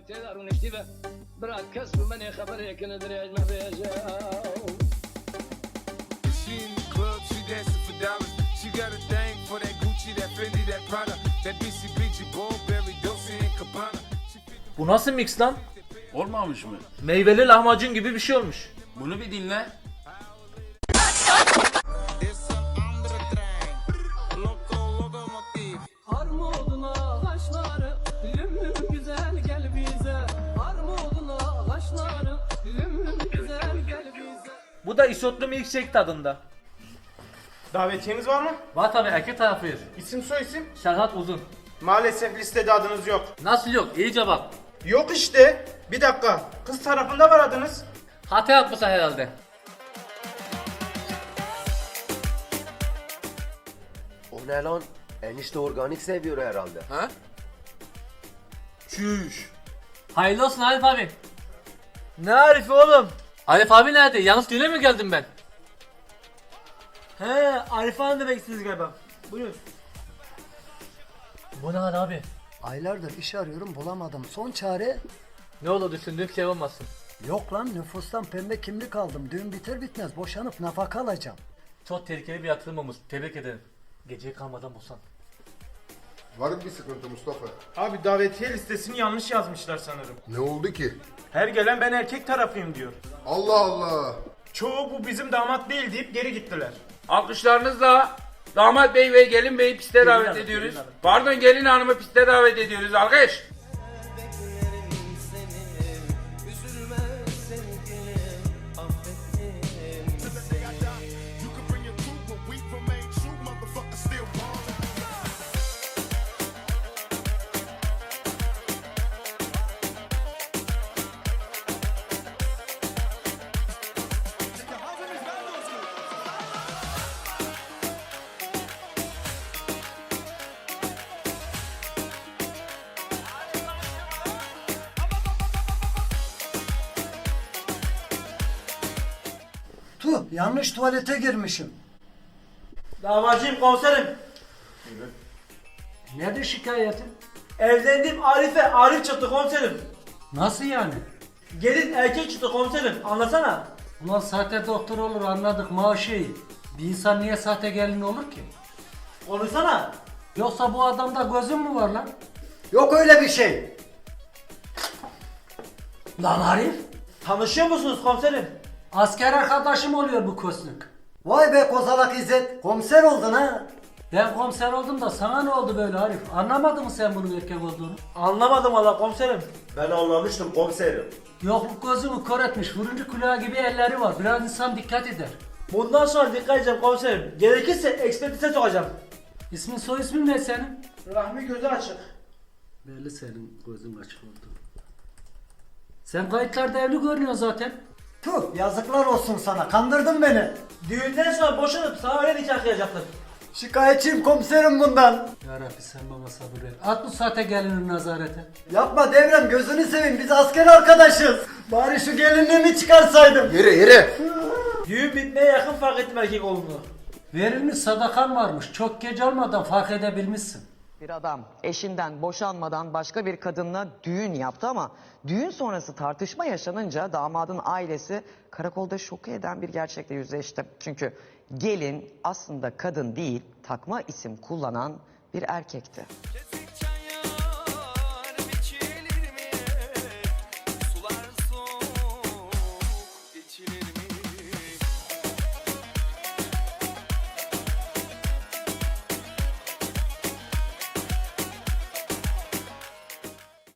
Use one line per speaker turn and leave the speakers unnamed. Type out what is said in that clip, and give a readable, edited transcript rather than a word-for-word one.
تقدر نكتبها برا كسب من خبر يكن ادري ما بيجا
She in the club, she dancing for dollars. She got a thing for that Gucci, that Fendi, that Prada, that BCBG, Burberry, Dolce and Gabbana.
Bu nasıl mix lan?
Olmamış mı?
Meyveli lahmacun gibi bir şey olmuş.
Bunu bir dinle.
Armuduna kaşları lüm güzel gel bize Armuduna kaşları lüm güzel gel bize
Bu da isotlu milkshake tadında.
Davetiyeniz var mı?
Var tabi erkek tarafıyız.
İsim soy isim?
Serhat Uzun.
Maalesef listede adınız yok.
Nasıl yok? İyice bak.
Yok işte. Bir dakika. Kız tarafında var adınız.
Hata yapmışsın herhalde.
O ne lan? Enişte organik seviyor herhalde.
Ha? Çüş.
Hayırlı olsun Arif abi. Ne Arif oğlum? Arif abi nerede? Yalnız düğüne mi geldim ben?
He, Arif Hanım demek istediniz galiba. Buyurun.
Bu ne hal abi?
Aylardır iş arıyorum bulamadım. Son çare
Ne olur düşündüğüm şey olmasın.
yok lan nüfustan pembe kimlik aldım. Düğün biter bitmez boşanıp nafaka alacağım.
Çok tehlikeli bir yatırım olmuş. Tebrik ederim. Geceye kalmadan boşan.
Var mı bir sıkıntı Mustafa?
Abi davetiye listesini yanlış yazmışlar sanırım.
Ne oldu ki?
Her gelen ben erkek tarafıyım diyor.
Allah Allah.
Çoğu bu bizim damat değil deyip geri gittiler.
Alkışlarınızla damat bey ve gelin beyi piste davet
hanım,
ediyoruz.
gelin hanım.
Pardon, gelin hanımı piste davet ediyoruz. Alkış.
Tuh yanlış tuvalete girmişim.
Davacıyım komiserim.
Nedir şikayetin?
Evlendiğim Arif'e Arif çıktı komiserim.
Nasıl yani?
Gelin erkek çıktı komiserim. Anlasana.
Ulan sahte doktor olur anladık maaşı iyi. Bir insan niye sahte gelin olur ki?
Konuşsana.
Yoksa bu adamda gözün mü var lan? Yok öyle bir şey. Lan Arif.
Tanışıyor musunuz komiserim?
Asker arkadaşım oluyor bu kosnuk. Vay be kozalak İzzet. Komiser oldun ha. Ben komiser oldum da sana ne oldu böyle Arif? Anlamadın mı sen bunun erkek olduğunu?
Anlamadım valla komiserim.
Ben anlamıştım komiserim.
Yokluk gözümü kör etmiş. Vuruncu kulağı gibi elleri var. Biraz insan dikkat eder.
Bundan sonra dikkat edeceğim komiserim. Gerekirse ekspertize sokacağım.
İsmin soy ismin ne senin?
Rahmi gözü açık.
Belli senin gözün açık oldu. Sen kayıtlarda evli görünüyorsun zaten. Tuh yazıklar olsun sana. Kandırdın beni.
Düğünden sonra boşanıp sana öyle nikah kıyacaklar.
Şikayetçiyim komiserim bundan. Yarabbi sen bana sabır ver. At bu saate gelinin nazarete. Yapma devrem gözünü seveyim biz asker arkadaşız. Bari şu gelinliğimi çıkarsaydım.
Yere.
Düğün bitmeye yakın fark ettim erkek olduğunu.
Verilmiş sadakan varmış. Çok geç olmadan fark edebilmişsin.
Bir adam eşinden boşanmadan başka bir kadınla düğün yaptı ama düğün sonrası tartışma yaşanınca damadın ailesi karakolda şoku eden bir gerçekle yüzleşti. Çünkü gelin aslında kadın değil, takma isim kullanan bir erkekti.